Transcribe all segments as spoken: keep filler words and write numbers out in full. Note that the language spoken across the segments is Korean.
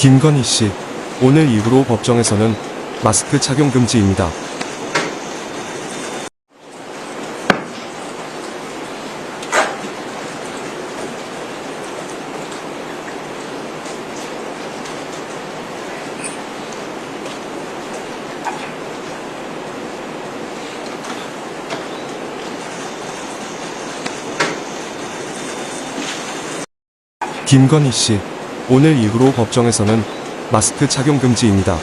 김건희 씨, 오늘 이후로 법정에서는 마스크 착용 금지입니다. 김건희 씨, 오늘 이후로 법정에서는 마스크 착용 금지입니다.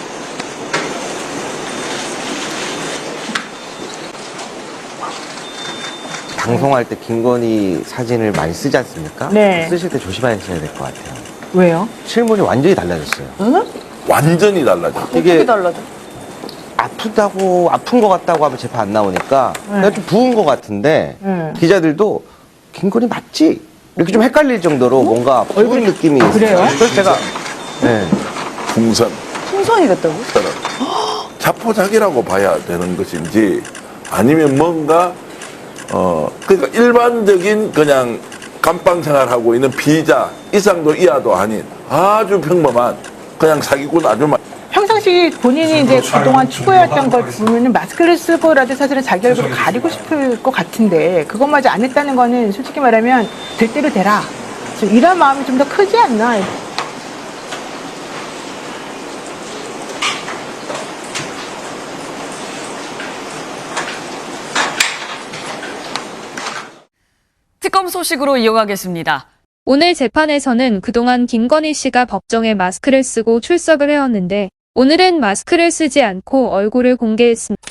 방송할 때 김건희 사진을 많이 쓰지 않습니까? 네. 쓰실 때 조심하셔야 될 것 같아요. 왜요? 실물이 완전히 달라졌어요. 응? 완전히 달라져. 어떻게 달라져? 아프다고, 아픈 것 같다고 하면 재판 안 나오니까 네. 그냥 좀 부은 것 같은데 네. 기자들도 김건희 맞지? 이렇게 좀 헷갈릴 정도로 뭔가 부은 느낌이 있어요. 그래요? 그래서 제가 네. 풍선. 풍선이 됐다고? 자포자기라고 봐야 되는 것인지 아니면 뭔가 어 그러니까 일반적인 그냥 감방 생활하고 있는 피의자 이상도 이하도 아닌 아주 평범한 그냥 사기꾼 아주 마- 평상시 본인이 이제 그동안 추구해왔던 걸 보면은 마스크를 쓰고라도 사실은 자기 얼굴을 가리고 싶을 것 같은데 그것마저 안 했다는 거는 솔직히 말하면 될 대로 되라. 좀 이런 마음이 좀 더 크지 않나. 특검 소식으로 이어가겠습니다. 오늘 재판에서는 그동안 김건희 씨가 법정에 마스크를 쓰고 출석을 해왔는데 오늘은 마스크를 쓰지 않고 얼굴을 공개했습니다.